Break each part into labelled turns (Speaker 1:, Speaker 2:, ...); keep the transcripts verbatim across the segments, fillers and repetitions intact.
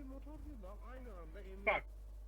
Speaker 1: motorcuyla aynı anda emniyet...
Speaker 2: Bak.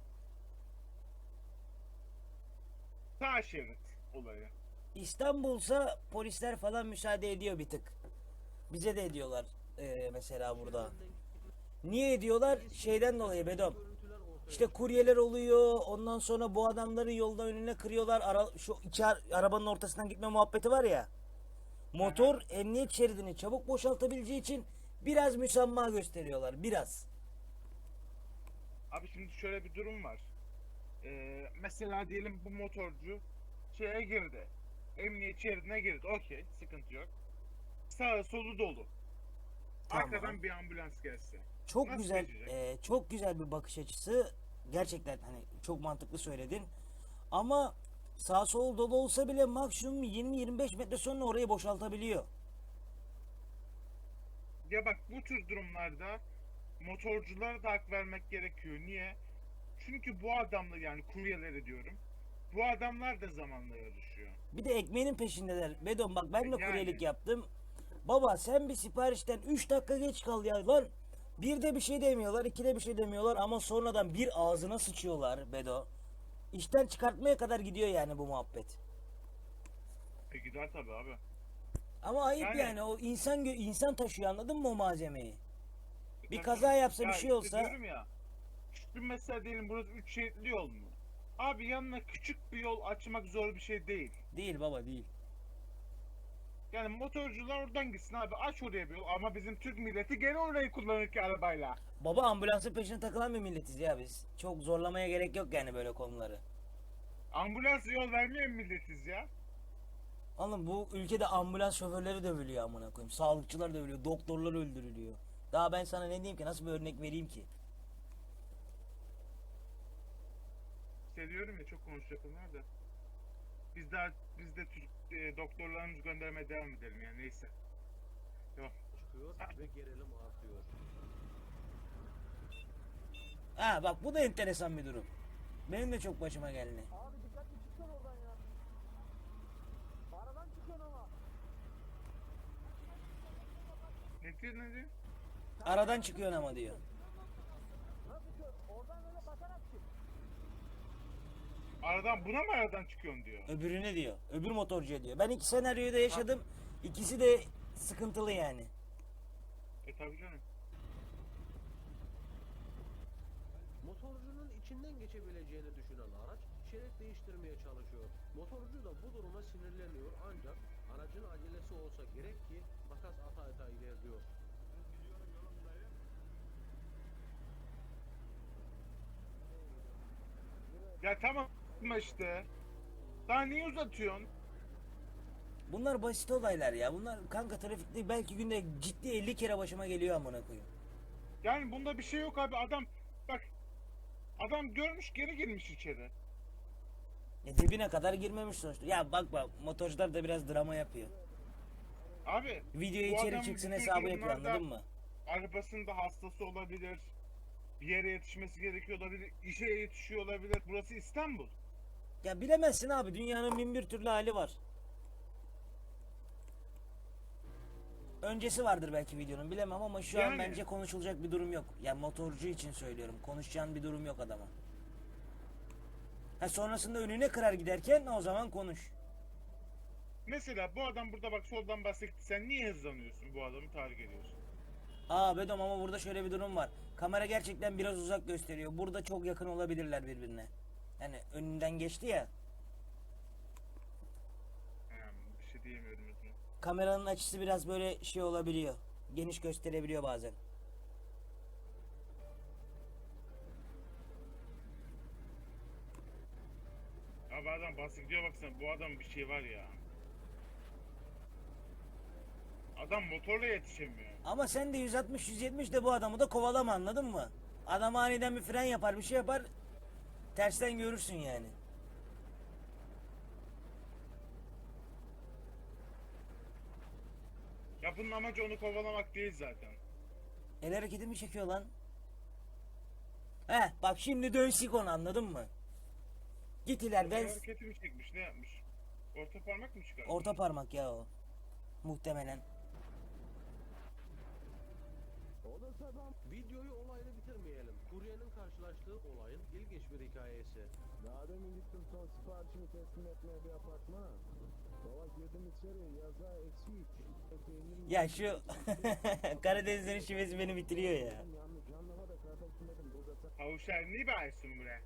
Speaker 2: Sağ şerit olayı.
Speaker 3: İstanbul'sa polisler falan müsaade ediyor bir tık. Bize de ediyorlar ee, mesela burada. Niye ediyorlar? Şeyden dolayı Bedom. İşte kuryeler oluyor. Ondan sonra bu adamları yolda önüne kırıyorlar. Ara, şu iki ar- arabanın ortasından gitme muhabbeti var ya. Motor emniyet şeridini çabuk boşaltabileceği için biraz müsamaha gösteriyorlar. Biraz.
Speaker 2: Abi şimdi şöyle bir durum var. Ee, mesela diyelim bu motorcu şeye girdi. Emniyet şeridine girdi. Okey, sıkıntı yok. Sağı solu dolu.
Speaker 3: Tamam.
Speaker 2: Arkadan bir ambulans gelse.
Speaker 3: Çok
Speaker 2: Nasıl
Speaker 3: güzel,
Speaker 2: geçecek?
Speaker 3: e, çok güzel bir bakış açısı. Gerçekten hani çok mantıklı söyledin. Ama sağ sol dolu olsa bile maksimum yirmi yirmi beş metre sonra orayı boşaltabiliyor.
Speaker 2: Ya bak, bu tür durumlarda motorculara da hak vermek gerekiyor. Niye? Çünkü bu adamlar, yani kuryeleri diyorum. Bu adamlar da zamanla yarışıyor.
Speaker 3: Bir de ekmeğinin peşindeler. Bedon bak ben de
Speaker 2: Yani.
Speaker 3: kuryelik yaptım. Baba sen bir siparişten üç dakika geç kal ya lan. Bir de bir şey demiyorlar, iki de bir şey demiyorlar ama sonradan bir ağzına sıçıyorlar Bedo. İşten çıkartmaya kadar gidiyor yani bu muhabbet.
Speaker 2: E gider tabii abi.
Speaker 3: Ama ayıp
Speaker 2: Yani.
Speaker 3: yani o insan gö- insan taşıyor anladın mı o malzemeyi?
Speaker 2: E
Speaker 3: Bir
Speaker 2: tabii
Speaker 3: kaza
Speaker 2: canım.
Speaker 3: yapsa bir
Speaker 2: Ya
Speaker 3: şey
Speaker 2: işte
Speaker 3: olsa
Speaker 2: diyorum ya. Şimdi mesela diyelim burası üç şeritli yol mu? Abi yanına küçük bir yol açmak zor bir şey değil.
Speaker 3: değil baba değil.
Speaker 2: Yani motorcular oradan gitsin abi, aç oraya bir yol, ama bizim Türk milleti gene orayı kullanır ki arabayla.
Speaker 3: Baba ambulansın peşine takılan bir milletiz ya biz. Çok zorlamaya gerek yok yani böyle konuları.
Speaker 2: Ambulans yol vermeyen milletiz ya.
Speaker 3: Oğlum bu ülkede ambulans şoförleri dövülüyor amına koyayım. Sağlıkçılar dövülüyor, doktorlar öldürülüyor. Daha ben sana ne diyeyim ki nasıl bir örnek vereyim ki?
Speaker 2: İşte diyorum ya, çok konuşacak onlar da. Biz daha biz de Türk e, doktorlarımızı göndermeye devam edelim yani, neyse. Tamam.
Speaker 1: çıkıyor ve gerilim artıyor.
Speaker 3: Ha bak bu da enteresan bir durum. Benim de çok başıma geldi.
Speaker 4: Abi dikkatli çıksana oradan ya. Aradan çıkıyorsun ama.
Speaker 2: Ne diyor ne diyor?
Speaker 3: Aradan çıkıyorsun ama diyor.
Speaker 4: Nasıl çıkıyorsun? Oradan öyle bakarak çık.
Speaker 2: Aradan buna mı aradan çıkıyorsun diyor.
Speaker 3: Öbürüne diyor. Öbür motorcuya diyor. Ben iki senaryoyu da yaşadım. İkisi de sıkıntılı yani.
Speaker 2: E tabii canım.
Speaker 1: Motorcunun içinden geçebileceğini düşünen araç şerit değiştirmeye çalışıyor. Motorcu da bu duruma sinirleniyor ancak aracın acelesi olsa gerek ki makas ata ata ilerliyor.
Speaker 2: Ya tamam işte. Daha niye uzatıyorsun?
Speaker 3: Bunlar basit olaylar ya. Bunlar kanka trafikte belki günde ciddi elli kere başıma geliyor amına koyayım.
Speaker 2: Yani bunda bir şey yok abi, adam bak, adam görmüş geri girmiş içeri.
Speaker 3: Ya dibine kadar girmemiş sonuçta. Ya bak bak motorcular da biraz drama yapıyor.
Speaker 2: Abi
Speaker 3: Videoya
Speaker 2: bu
Speaker 3: içeri
Speaker 2: adam
Speaker 3: çıksın
Speaker 2: bu tür
Speaker 3: hesabı yapıyor
Speaker 2: durumlarda
Speaker 3: anladın mı?
Speaker 2: arabasında hastası olabilir. Bir yere yetişmesi gerekiyor olabilir. İşe yetişiyor olabilir. Burası İstanbul.
Speaker 3: Ya bilemezsin abi dünyanın bin bir türlü hali var. Öncesi vardır belki videonun bilemem ama şu an
Speaker 2: Yani.
Speaker 3: bence konuşulacak bir durum yok. Ya motorcu için söylüyorum. Konuşacağın bir durum yok adama. Ha sonrasında önüne kırar giderken o zaman konuş.
Speaker 2: Mesela bu adam burada bak soldan bahsetti. Sen niye hızlanıyorsun, bu adamı tahrik ediyorsun?
Speaker 3: Aa Bedom ama burada şöyle bir durum var. Kamera gerçekten biraz uzak gösteriyor. Burada çok yakın olabilirler birbirine. Yani önünden geçti ya.
Speaker 2: He, bir şey diyemiyorum özüne.
Speaker 3: Kameranın açısı biraz böyle şey olabiliyor. Geniş gösterebiliyor bazen.
Speaker 2: Abi adam bahsediyor, baksana bu adam bir şey var ya. Adam motorla yetişemiyor.
Speaker 3: Ama sen de yüz altmış yüz yetmiş de bu adamı da kovalama anladın mı? Adam aniden bir fren yapar bir şey yapar. Tersten görürsün yani.
Speaker 2: Ya bunun amacı onu kovalamak değil zaten.
Speaker 3: El hareketi mi çekiyor lan? He bak şimdi dönsük onu anladın mı? Git iler ben...
Speaker 2: El hareketi mi çekmiş, ne yapmış? Orta parmak mı çıkarmış?
Speaker 3: Orta parmak ya o. Muhtemelen.
Speaker 4: Oğlum
Speaker 1: Videoyu olayla bitirmeyelim. Kuryenin karşılaştığı olayın ilginç bir hikayesi.
Speaker 5: Daha demin gittim son siparişimi teslim etmeye bir apartmana. Baba girdim içeri yaza eksi üç. Peynir
Speaker 3: Ya şu Karadenizlerin şivesi beni bitiriyor ya.
Speaker 5: yanlış anlama da kardeşim dedim burada sen
Speaker 2: Kavuşar ne bağırsın buraya?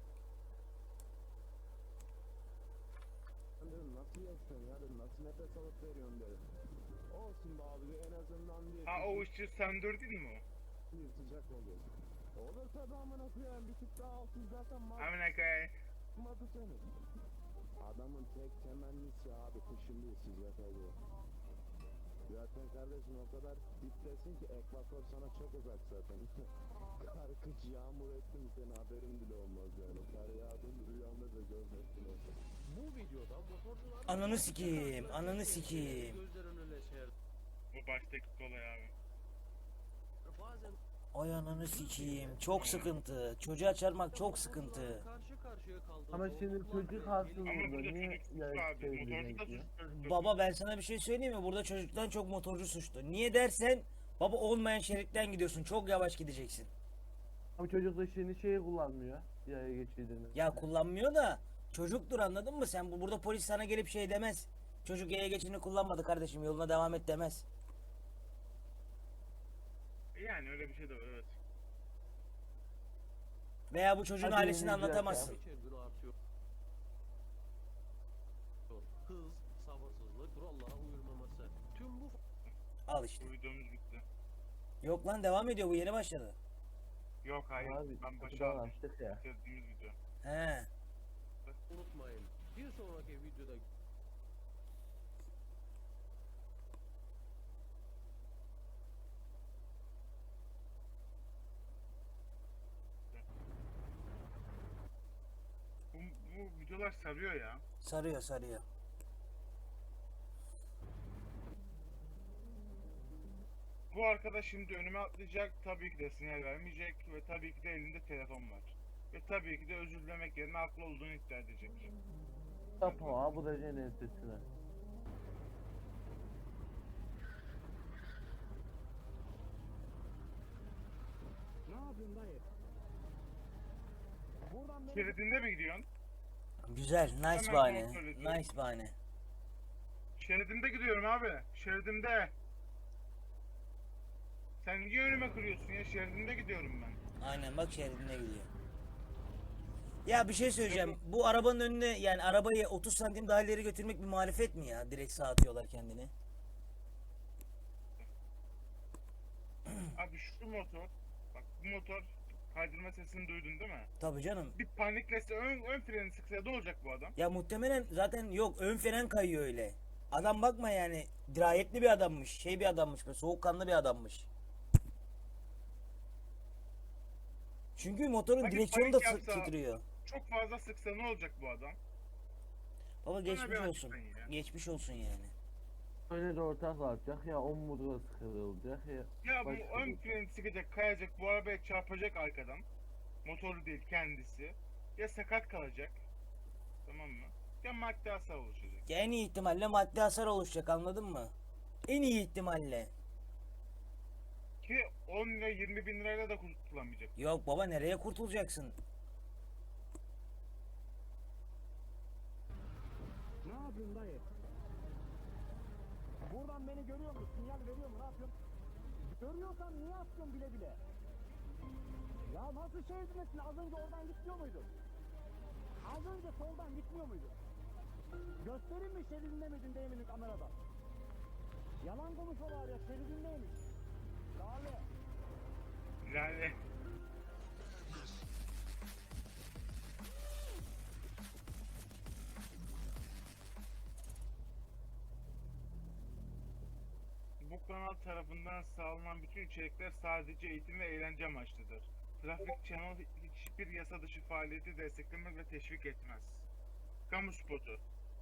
Speaker 5: dedim nasıl yaşıyorsun ya dedim nasıl nefes alıp veriyorsun dedim. Olsun be abi en azından bir,
Speaker 2: Ha o ışığı söndürdün mü?
Speaker 5: bir sıcak oluyor. Olur tabi amına koyayım bir tık daha altın zaten
Speaker 2: Amına koyayım.
Speaker 5: matmadı seni. Adamın tek temennisi abi kışın değil sıcak oluyor. Zaten kardeşim o kadar diptesin ki ekvator sana çok uzak zaten. Kar, kış, yağmur ettim seni haberin bile olmaz yani. Kar yağdın rüyamda da görmezsin o.
Speaker 1: Bu videoda motorcular...
Speaker 3: Ananı sikeyim, ananı sikeyim.
Speaker 1: Gözlerin önüne serdi.
Speaker 2: Bu baştaki kolay abi.
Speaker 1: Bazen
Speaker 3: Ay ananı sikeyim. Çok sıkıntı. Çocuğa çarpmak çok sıkıntı.
Speaker 1: karşı karşıya kaldığı
Speaker 6: Ama şimdi
Speaker 1: zorluklar
Speaker 6: çocuk
Speaker 1: bile
Speaker 6: haksız
Speaker 2: Ama
Speaker 6: burada.
Speaker 2: burada
Speaker 6: Niye
Speaker 2: çocuk suçlu
Speaker 6: ya
Speaker 2: abi. Motorcu da
Speaker 6: söyleyecek ya?
Speaker 2: suçlu. çocuk da
Speaker 3: Baba ben sana bir şey söyleyeyim mi? Burada çocuktan çok motorcu suçlu. Niye dersen baba olmayan şeritten gidiyorsun. Çok yavaş gideceksin.
Speaker 6: Ama çocuk da şimdi şeyi kullanmıyor. Yaya geçidini.
Speaker 3: Ya kullanmıyor da çocuktur anladın mı? Sen bu burada polis sana gelip şey demez. Çocuk yaya geçidini kullanmadı kardeşim yoluna devam et demez.
Speaker 2: Yani öyle bir şey de var evet.
Speaker 3: Veya bu çocuğun
Speaker 6: Hadi
Speaker 3: ailesini
Speaker 6: yeni bir
Speaker 3: anlatamazsın.
Speaker 1: geçer gün artıyor. Hız, sabırsızlık, kurallara uyulmaması. Tüm bu
Speaker 3: Al işte.
Speaker 2: Bu videomuz bitti.
Speaker 3: Yok lan devam ediyor bu yeni başladı.
Speaker 2: Yok hayır
Speaker 6: Abi
Speaker 2: ben başa
Speaker 6: kapıdan
Speaker 2: aldım.
Speaker 6: açtık ya.
Speaker 2: Çözdüğümüz video.
Speaker 3: He.
Speaker 1: unutmayın. Bir sonraki videoda
Speaker 2: Bu, bu videolar sarıyor ya.
Speaker 3: Sarıyor sarıyor.
Speaker 2: Bu arkadaş şimdi önüme atlayacak. Tabii ki de sinyal vermeyecek. Ve tabii ki de elinde telefon var. Ve tabii ki de özür dilemek yerine haklı olduğunu iddia edecek.
Speaker 6: Yapma bu da senin sesine.
Speaker 5: Ne yapıyorsun dayı? Buradan beni
Speaker 2: Şeridinde mi gidiyorsun?
Speaker 3: Güzel. Nice
Speaker 2: Hemen
Speaker 3: bahane.
Speaker 2: kontrol ediyorum.
Speaker 3: Nice bahane.
Speaker 2: Şeridimde gidiyorum abi. Şeridimde. Sen niye önüme kırıyorsun ya? Şeridimde gidiyorum ben.
Speaker 3: Aynen bak şeridine gidiyor. Ya bir şey söyleyeceğim. Bu arabanın önüne yani arabayı otuz santim daha ileri götürmek bir marifet mi ya? Direkt sağa atıyorlar kendini.
Speaker 2: Abi şu motor. Bak bu motor kaydırma sesini duydun değil mi?
Speaker 3: Tabii canım.
Speaker 2: Bir paniklese ön, ön freni sıksa ne olacak bu adam?
Speaker 3: Ya muhtemelen zaten yok ön fren kayıyor öyle. Adam bakma yani dirayetli bir adammış. Şey bir adammış böyle soğukkanlı bir adammış. Çünkü motorun
Speaker 2: Panik
Speaker 3: direksiyonu da
Speaker 2: panik
Speaker 3: sı-
Speaker 2: yapsa-
Speaker 3: titriyor.
Speaker 2: Çok fazla sıksa ne olacak bu adam?
Speaker 3: Baba geçmiş
Speaker 2: bir
Speaker 3: olsun.
Speaker 2: açıklayın ya.
Speaker 3: Geçmiş olsun yani.
Speaker 6: Öyle de ortak kalacak ya omurgası kırılacak ya.
Speaker 2: Ya bu
Speaker 6: başka
Speaker 2: ön
Speaker 6: bir-
Speaker 2: freni sıkacak, kayacak, bu arabaya çarpacak arkadan. Motoru değil kendisi. Ya sakat kalacak. Tamam mı? Ya madde hasar oluşacak.
Speaker 3: Ya en iyi ihtimalle maddi hasar oluşacak anladın mı? En iyi ihtimalle.
Speaker 2: Ki on lira yirmi bin lirayla da kurtulamayacak.
Speaker 3: Yok baba nereye kurtulacaksın?
Speaker 5: ne yapıyorsun dayı? Buradan beni görüyor musun? Sinyal veriyor mu? Ne yapıyorsun? Görüyorsan niye atıyorsun bile bile? Ya nasıl şeridindesin? Az önce oradan gitmiyor muydun? Az önce soldan gitmiyor muydun? Göstereyim mi şeridinde miydin değil miydin kamerada? Yalan konuşuyorlar ya şeridindeymiş. Lale.
Speaker 2: Yani bu kanal tarafından sağlanan bütün içerikler sadece eğitim ve eğlence amaçlıdır. Trafik Channel hiçbir yasa dışı faaliyeti desteklemez ve teşvik etmez. Kamu spotu.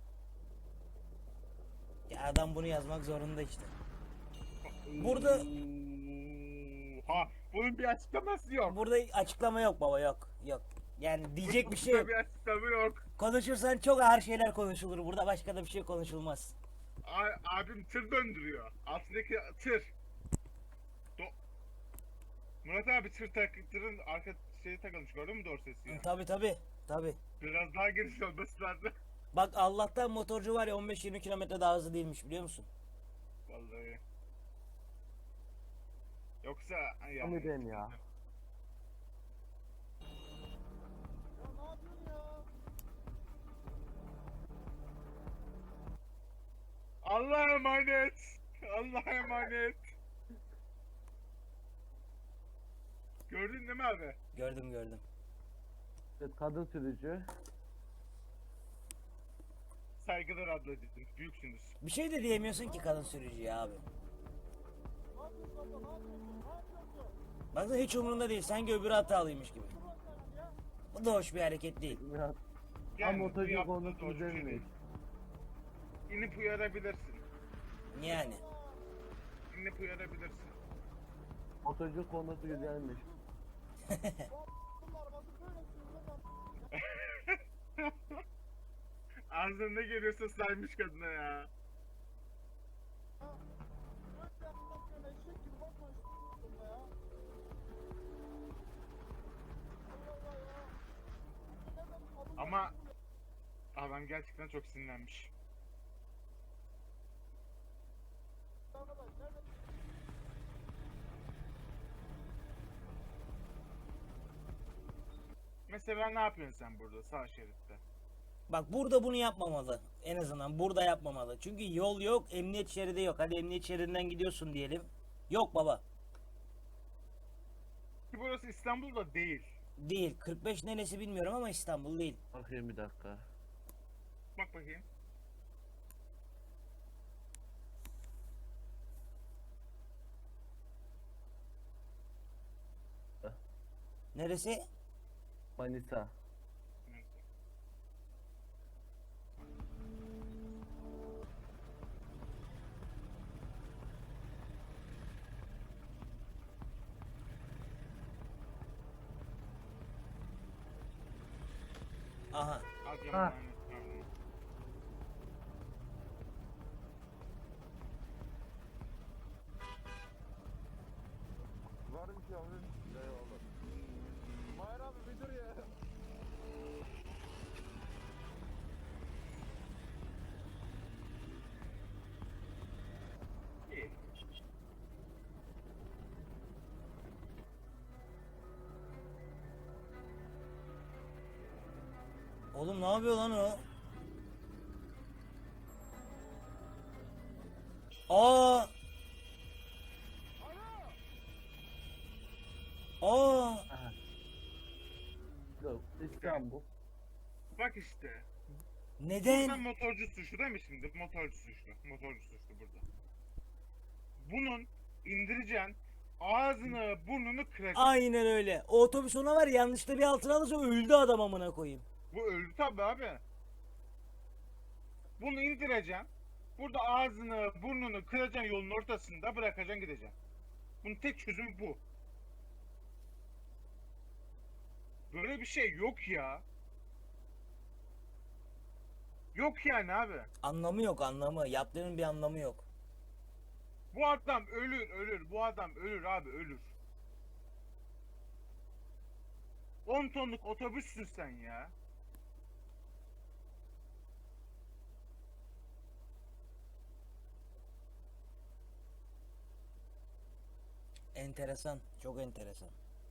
Speaker 3: Ya adam bunu yazmak zorunda işte. Burada
Speaker 2: Ha, bunun bir açıklaması yok.
Speaker 3: burada açıklama yok baba yok. Yok. Yani diyecek bir şey
Speaker 2: Burada
Speaker 3: yok.
Speaker 2: bir açıklama yok.
Speaker 3: Konuşursan çok ağır şeyler konuşulur. Burada başka da bir şey konuşulmaz.
Speaker 2: A- abim tır döndürüyor. Altındaki tır. Do- Murat abi tır tak, tırın arka şeyi takılmış gördün mü dorsesi ya?
Speaker 3: Tabi tabi tabi.
Speaker 2: Biraz daha geniş olması lazım.
Speaker 3: Bak Allah'tan motorcu var ya on beş yirmi kilometre daha hızlı değilmiş biliyor musun?
Speaker 2: Vallahi. Yoksa ay
Speaker 6: Tam edeyim ya.
Speaker 2: Allah'a emanet. Allah'a emanet. Gördün değil mi abi?
Speaker 3: Gördüm gördüm.
Speaker 6: Evet, kadın sürücü.
Speaker 2: Saygılar ablacığım. Büyüksünüz.
Speaker 3: Bir şey de diyemiyorsun ki kadın sürücüye abi. Baksana hiç umurunda değil. Sanki öbürü hatalıymış gibi. Bu da hoş bir hareket değil.
Speaker 6: Murat.
Speaker 2: Yani
Speaker 6: Ama
Speaker 2: bu
Speaker 6: motorcu
Speaker 2: yaptığı
Speaker 6: konusu
Speaker 2: doğru bir şey
Speaker 6: düzelmiş.
Speaker 2: değil. İnip uyarabilirsin.
Speaker 3: Yani.
Speaker 2: İnip uyarabilirsin.
Speaker 6: Motorcu konusu güzelmiş.
Speaker 2: Ağzına ne geliyorsa saymış kadına ya. Ama adam gerçekten çok sinirlenmiş. Mesela ne yapıyorsun sen burada sağ şeritte?
Speaker 3: Bak burada bunu yapmamalı. En azından burada yapmamalı. Çünkü yol yok, emniyet şeridi yok. Hadi emniyet şeridinden gidiyorsun diyelim. Yok baba.
Speaker 2: Ki burası İstanbul'da değil.
Speaker 3: Değil. kırk beş neresi bilmiyorum ama İstanbul değil.
Speaker 6: Bakayım bir dakika.
Speaker 2: Bak bakayım.
Speaker 3: Neresi?
Speaker 6: Manisa.
Speaker 3: Aha.
Speaker 2: Adıyaman,
Speaker 6: Ha.
Speaker 2: aynen.
Speaker 5: Var bir şey abi. Eyvallah. Mahir abi bir dur ya.
Speaker 2: İyi.
Speaker 3: Oğlum ne yapıyor lan o? Aa! Aa!
Speaker 6: Yok, İstanbul.
Speaker 2: Bak işte. Burada
Speaker 3: Neden?
Speaker 2: motorcu suçlu değil mi şimdi? Motorcu suçlu. Motorcu suçlu burada. Bunun indireceksin. Ağzını burnunu kıracaksın.
Speaker 3: Aynen öyle. O otobüs ona var ya, yanlışlıkla bir altına alırsa öldü adam amına koyayım.
Speaker 2: Bu öldü tabi abi. Bunu indireceksin. Burada ağzını burnunu kıracaksın yolun ortasında bırakacaksın gideceksin. Bunun tek çözümü bu. Böyle bir şey yok ya. Yok yani abi.
Speaker 3: Anlamı yok anlamı. Yaptığının bir anlamı yok.
Speaker 2: Bu adam ölür ölür. Bu adam ölür abi ölür. on tonluk otobüssün sen ya.
Speaker 3: Enteresan. Çok enteresan.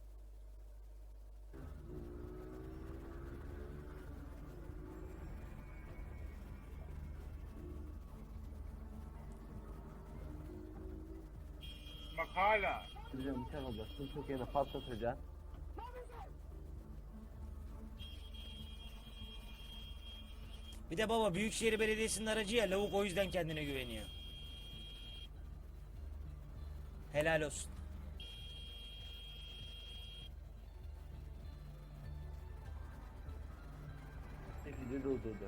Speaker 2: Bak hala.
Speaker 6: Sürücüm bir şey olacaksın. Türkiye'de patlatacaksın.
Speaker 3: Bir de baba Büyükşehir Belediyesi'nin aracı ya, lavuk o yüzden kendine güveniyor. Helal olsun.
Speaker 6: Çekici durdurdu.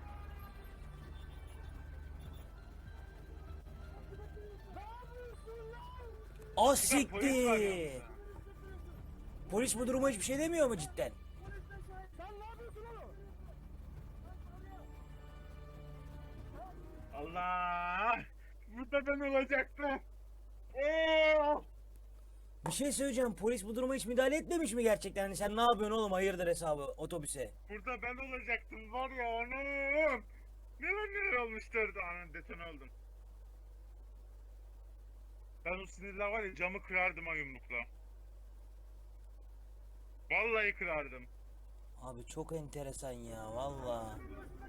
Speaker 3: O
Speaker 2: Polis var
Speaker 3: siktir.
Speaker 2: yanında.
Speaker 3: Polis bu duruma hiçbir şey demiyor mu cidden?
Speaker 5: Sen ne yapıyorsun oğlum?
Speaker 2: Allah! Burada ben olacaktım. Oo!
Speaker 3: Bir şey söyleyeceğim. Polis bu duruma hiç müdahale etmemiş mi gerçekten? Hani sen ne yapıyorsun oğlum hayırdır hesabı otobüse?
Speaker 2: Burada ben olacaktım var ya anam. Neler neler olmuştur da anam detone oldum. Ben o sinirle var ya camı kırardım ha yumrukla. Vallahi kırardım.
Speaker 3: Abi çok enteresan ya valla.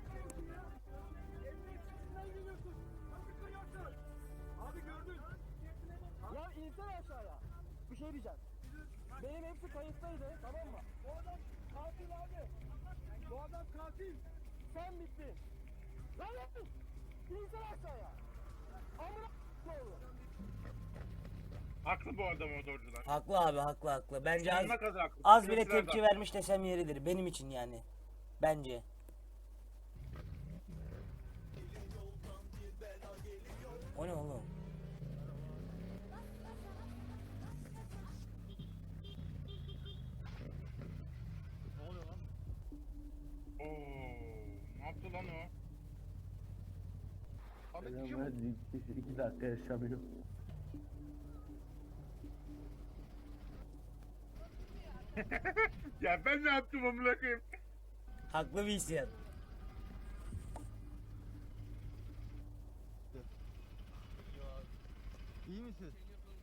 Speaker 5: Abi gördün. Ya insene aşağıya. Bir şey diyeceğim. Benim hepsi kayıttaydı, tamam mı? Bu adam katil abi. Bu adam katil. Sen bittin. Lan lan. İnsene aşağıya. Amına oğlu.
Speaker 2: Haklı bu arada motorcular.
Speaker 3: Haklı abi haklı haklı. Bence az,
Speaker 2: Sonuna kadar haklı.
Speaker 3: az bile
Speaker 2: Polisler de
Speaker 3: tepki
Speaker 2: haklı.
Speaker 3: vermiş desem yeridir. Benim için yani. Bence. O ne oğlum?
Speaker 2: Oo, ne yaptı lan o?
Speaker 6: Ben iki, iki dakika yaşamıyor.
Speaker 2: Ya ben ne yaptım amına koyayım?
Speaker 3: Haklı bir isyan.
Speaker 7: İyi misin?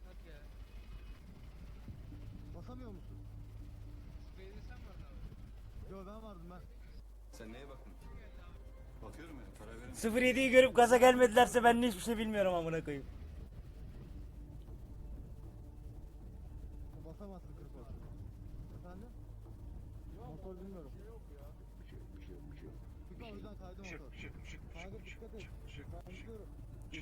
Speaker 7: Basamıyor musun? Yo ben vardım ben.
Speaker 8: Sen neye bakın? Bakıyorum ya, para verin.
Speaker 3: sıfır yediyi görüp gaza gelmedilerse ben de hiçbir şey bilmiyorum amına koyayım.
Speaker 7: Basamazsın kırk olsun. Efendim? Motor bilmiyorum.
Speaker 1: Bir şey yok, bir şey yok, bir şey yok.
Speaker 7: Tıkla o yüzden kaydı
Speaker 2: Şık
Speaker 7: motor.
Speaker 2: şık şık
Speaker 7: Kaydı
Speaker 2: şık
Speaker 7: dikkat et.
Speaker 2: şık şık
Speaker 7: Ben
Speaker 2: şık
Speaker 7: gidiyorum.
Speaker 2: şık.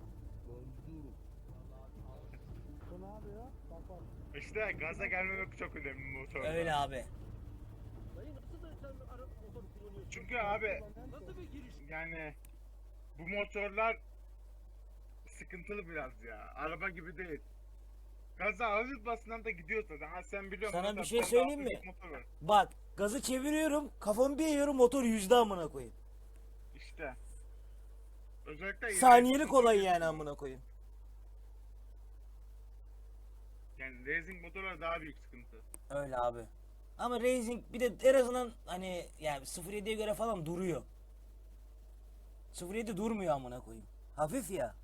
Speaker 7: Bu ne yapıyor? Bak bak.
Speaker 2: İşte gaza gelmemek çok önemli motorda.
Speaker 3: Öyle abi.
Speaker 1: Dayı nasıl da sen ara motor kullanıyorsun?
Speaker 2: Çünkü abi
Speaker 1: Nasıl bir giriş?
Speaker 2: yani bu motorlar sıkıntılı biraz ya. Araba gibi değil. Gaza hafif basından da gidiyor zaten. Ha sen biliyorsun.
Speaker 3: Sana
Speaker 2: mesela
Speaker 3: bir şey
Speaker 2: bende
Speaker 3: söyleyeyim
Speaker 2: hafif
Speaker 3: mi?
Speaker 2: motor var.
Speaker 3: Bak gazı çeviriyorum kafamı bir eğiyorum motor yüzde amına koyayım.
Speaker 2: İşte. Özellikle
Speaker 3: Saniyelik olay yani amına koyayım.
Speaker 2: Yani racing motorlar daha büyük sıkıntı.
Speaker 3: Öyle abi. Ama Racing bir de en azından hani yani sıfır yediye göre falan duruyor. sıfır yedi durmuyor amına koyayım. Hafif ya.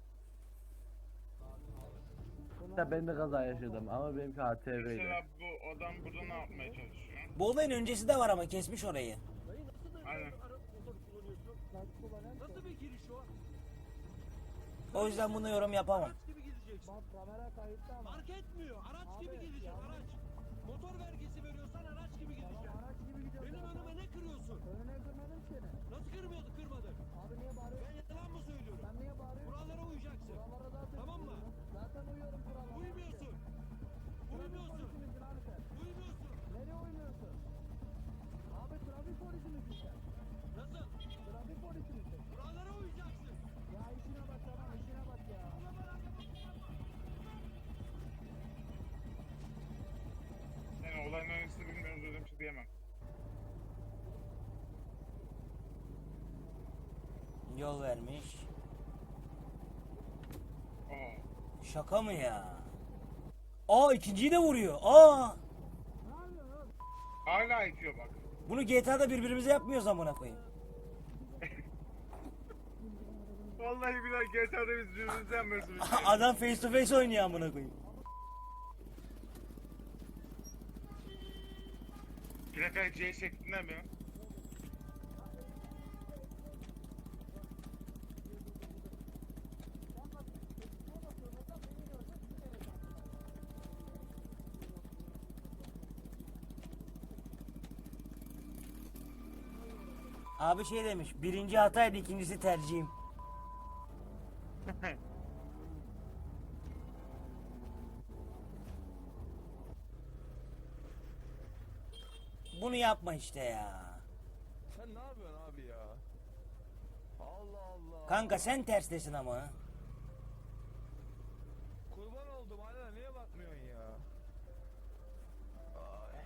Speaker 6: Ya ben de kaza yaşadım ama benimki A T V'ydi.
Speaker 2: Mesela bu adam burada ne yapmaya çalışıyor?
Speaker 3: Bu olayın öncesi de var ama kesmiş orayı.
Speaker 1: Dayı nasıl da
Speaker 2: Aynen.
Speaker 1: sen ara motor kullanıyorsun?
Speaker 7: Lastik kullanan
Speaker 1: Nasıl bir giriş o?
Speaker 3: O yüzden buna yorum yapamam.
Speaker 1: Araç gibi gideceksin.
Speaker 7: bak kamera kayıtta ama.
Speaker 1: Fark etmiyor. Araç
Speaker 7: Abi,
Speaker 1: gibi gideceksin.
Speaker 7: yanlış.
Speaker 1: Araç. Motor vergisi veriyorsan araç gibi
Speaker 7: Tamam
Speaker 1: gideceksin.
Speaker 7: araç gibi gidiyorsun.
Speaker 1: Benim önüme ne kırıyorsun?
Speaker 7: Önüne kırmadım seni.
Speaker 1: Nasıl kırmıyordu kırmadın?
Speaker 7: Abi niye bağırıyorsun?
Speaker 1: Ben yalan mı söylüyorum?
Speaker 7: Sen niye bağırıyorsun?
Speaker 1: Kurallara uyacaksın.
Speaker 7: Kurallara zaten
Speaker 1: Tamam mı?
Speaker 7: uyuyorum. Zaten uyuyorum kurallara.
Speaker 1: Uymuyorsun.
Speaker 7: Trafik
Speaker 1: Uymuyorsun.
Speaker 7: polisi misin abi sen?
Speaker 1: Uymuyorsun.
Speaker 7: Nereye uymuyorsun? Abi trafik polisi misin sen?
Speaker 1: Nasıl?
Speaker 7: Trafik polisi misin?
Speaker 1: Kurallara uyacaksın.
Speaker 7: Ya işine bak tamam işine bak ya.
Speaker 2: Yani olayın öncesini bilmiyoruz öyle bir şey diyemem.
Speaker 3: Yol vermiş.
Speaker 2: Aa.
Speaker 3: Şaka mı ya? Aa ikinciyi de vuruyor. Aa
Speaker 2: Hala itiyor bak.
Speaker 3: bunu G T A'da birbirimize yapmıyoruz amına koyayım.
Speaker 2: Vallahi billahi G T A'da biz birbirimizi yanmıyoruz. bir şey.
Speaker 3: Adam face to face oynuyor amına koyayım.
Speaker 2: Plakayı C şeklinde mi?
Speaker 3: Abi şey demiş. Birinci hataydı ikincisi tercihim. Bunu yapma işte ya.
Speaker 8: Sen ne yapıyorsun abi ya? Allah Allah.
Speaker 3: Kanka sen terstesin ama.
Speaker 8: Kurban oldum hala niye bakmıyorsun ya? Ay.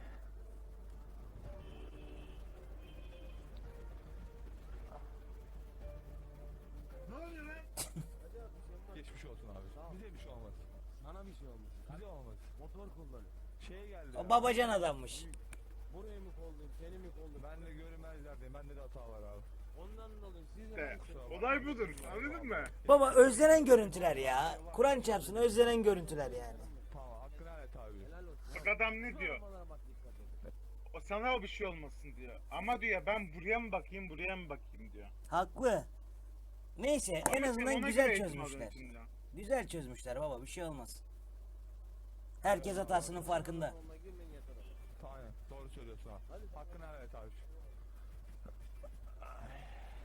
Speaker 2: Ne oluyor lan?
Speaker 8: Geçmiş olsun abi. Bize bir şey olmaz.
Speaker 1: Sana bir şey olmuş.
Speaker 8: Bize olmaz.
Speaker 1: Motor kullanıyor.
Speaker 8: Şey geldi.
Speaker 3: O
Speaker 8: ya.
Speaker 3: babacan adammış.
Speaker 1: Burayı mı kollayayım, seni mi kollayayım?
Speaker 8: Ben de görünmezlerdeyim. Bende de hata var abi.
Speaker 1: Ondan dolayı siz
Speaker 2: İşte,
Speaker 1: de ben
Speaker 2: olay budur. Anladın mı?
Speaker 3: Baba özlenen görüntüler ya. Kur'an çarpsın özlenen görüntüler yani.
Speaker 8: Tamam hakkını helal et abi.
Speaker 1: helal olsun.
Speaker 2: Bak adam ne diyor?
Speaker 1: Arabalara bak, dikkat edin.
Speaker 2: O sana o bir şey olmasın diyor. Ama diyor ben buraya mı bakayım buraya mı bakayım diyor.
Speaker 3: Haklı. Neyse en
Speaker 2: Ama sen
Speaker 3: azından
Speaker 2: ona
Speaker 3: güzel
Speaker 2: göre eğitim
Speaker 3: çözmüşler.
Speaker 2: alıyorsun şimdi.
Speaker 3: Güzel çözmüşler baba bir şey olmaz. Herkes hatasının farkında.
Speaker 1: Onunla girmeyin yeter abi.
Speaker 8: Aynen doğru söylüyorsun abi.
Speaker 1: Hadi.
Speaker 8: Hakkını helal et abi. Ay.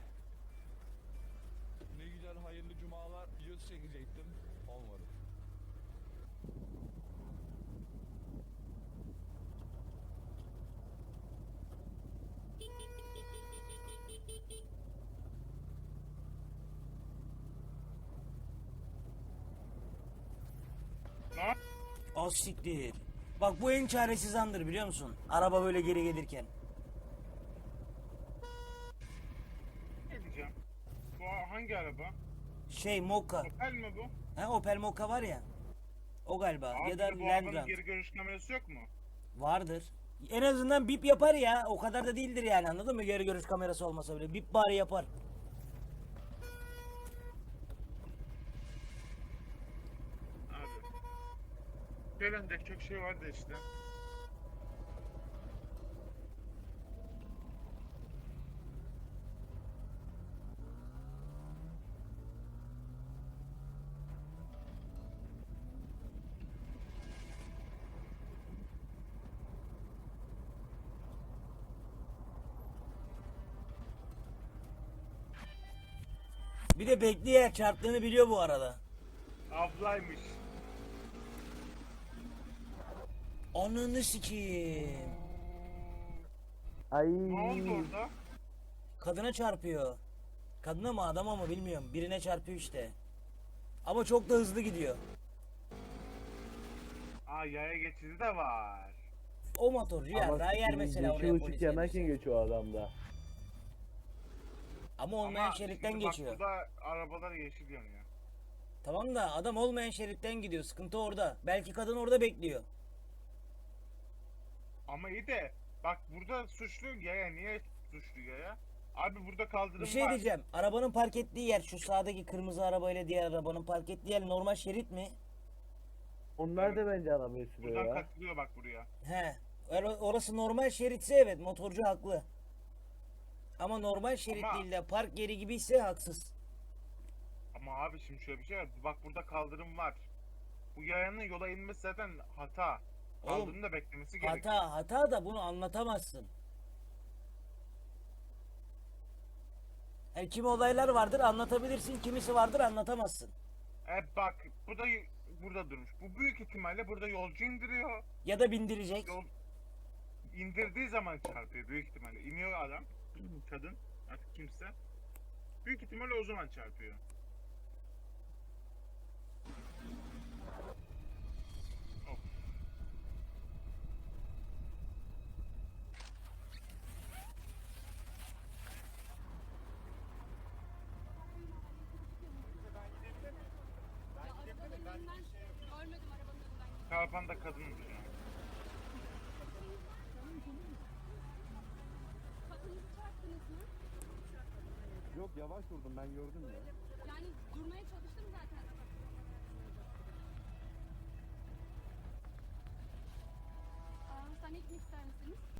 Speaker 8: Ne güzel hayırlı cumalar videosu çekecektim. Olmadı.
Speaker 2: Ne yap-
Speaker 3: Az siktir. Bak bu en çaresiz andır biliyor musun? Araba böyle geri gelirken.
Speaker 2: ne diyeceğim? Bu hangi araba?
Speaker 3: Şey Mokka.
Speaker 2: Opel mi bu?
Speaker 3: Ha Opel Mokka var ya. O galiba
Speaker 2: Abi
Speaker 3: ya da
Speaker 2: bu
Speaker 3: Land
Speaker 2: arabanın
Speaker 3: Grant.
Speaker 2: geri görüş kamerası yok mu?
Speaker 3: Vardır. En azından bip yapar ya. O kadar da değildir yani anladın mı? Geri görüş kamerası olmasa bile. Bip bari yapar.
Speaker 2: Abi. Söylenecek çok şey vardı işte.
Speaker 3: Bir de bekleyerek çarptığını biliyor bu arada.
Speaker 2: Ablaymış.
Speaker 3: Ananı sikeyim.
Speaker 6: Ay.
Speaker 2: Ne oldu orada?
Speaker 3: Kadına çarpıyor. Kadına mı adama mı bilmiyorum. Birine çarpıyor işte. Ama çok da hızlı gidiyor.
Speaker 2: Aa yaya geçidi de var.
Speaker 3: O motorcu ya daha yer mesela oraya
Speaker 6: Yeşil
Speaker 3: polis
Speaker 6: ışık yanarken
Speaker 3: gelirse.
Speaker 6: geçiyor adam da.
Speaker 3: Ama olmayan
Speaker 2: Ama
Speaker 3: şeritten
Speaker 2: şimdi bak
Speaker 3: geçiyor.
Speaker 2: burada arabalar yeşil yanıyor.
Speaker 3: Tamam da adam olmayan şeritten gidiyor. Sıkıntı orada. Belki kadın orada bekliyor.
Speaker 2: Ama iyi de bak burada suçlu yaya niye suçlu yaya? Abi burada kaldırım
Speaker 3: Bir şey
Speaker 2: var.
Speaker 3: diyeceğim. Arabanın park ettiği yer şu sağdaki kırmızı arabayla diğer arabanın park ettiği yer normal şerit mi?
Speaker 6: Onlar da bence arabayı sürüyor
Speaker 2: Buradan
Speaker 6: ya.
Speaker 2: katılıyor bak buraya.
Speaker 3: He. Or- Orası normal şeritse evet motorcu haklı. Ama normal şerit
Speaker 2: Ama-
Speaker 3: değil de park yeri gibi ise haksız.
Speaker 2: Ama abi şimdi şöyle bir şey var. Bak burada kaldırım var. Bu yayanın yola inmesi zaten hata.
Speaker 3: Oğlum,
Speaker 2: Kaldırımda beklemesi gerekiyor.
Speaker 3: Hata hata da bunu anlatamazsın. Yani kimi olaylar vardır anlatabilirsin, kimisi vardır anlatamazsın.
Speaker 2: E bak bu da burada durmuş. Bu büyük ihtimalle burada yolcu indiriyor.
Speaker 3: Ya da bindirecek.
Speaker 2: Yol indirdiği zaman çarpıyor büyük ihtimalle. İniyor adam, kadın, artık kimse. Büyük ihtimalle o zaman çarpıyor. Of.
Speaker 9: Görmedim arabanın önünden.
Speaker 2: Çarpan da kadınmış ya.
Speaker 9: Kadınızı çarptınız mı?
Speaker 7: Yok yavaş durdum ben gördüm ya.
Speaker 9: Yani durmaya çalıştım zaten. Aa, sen ekmek ister misiniz?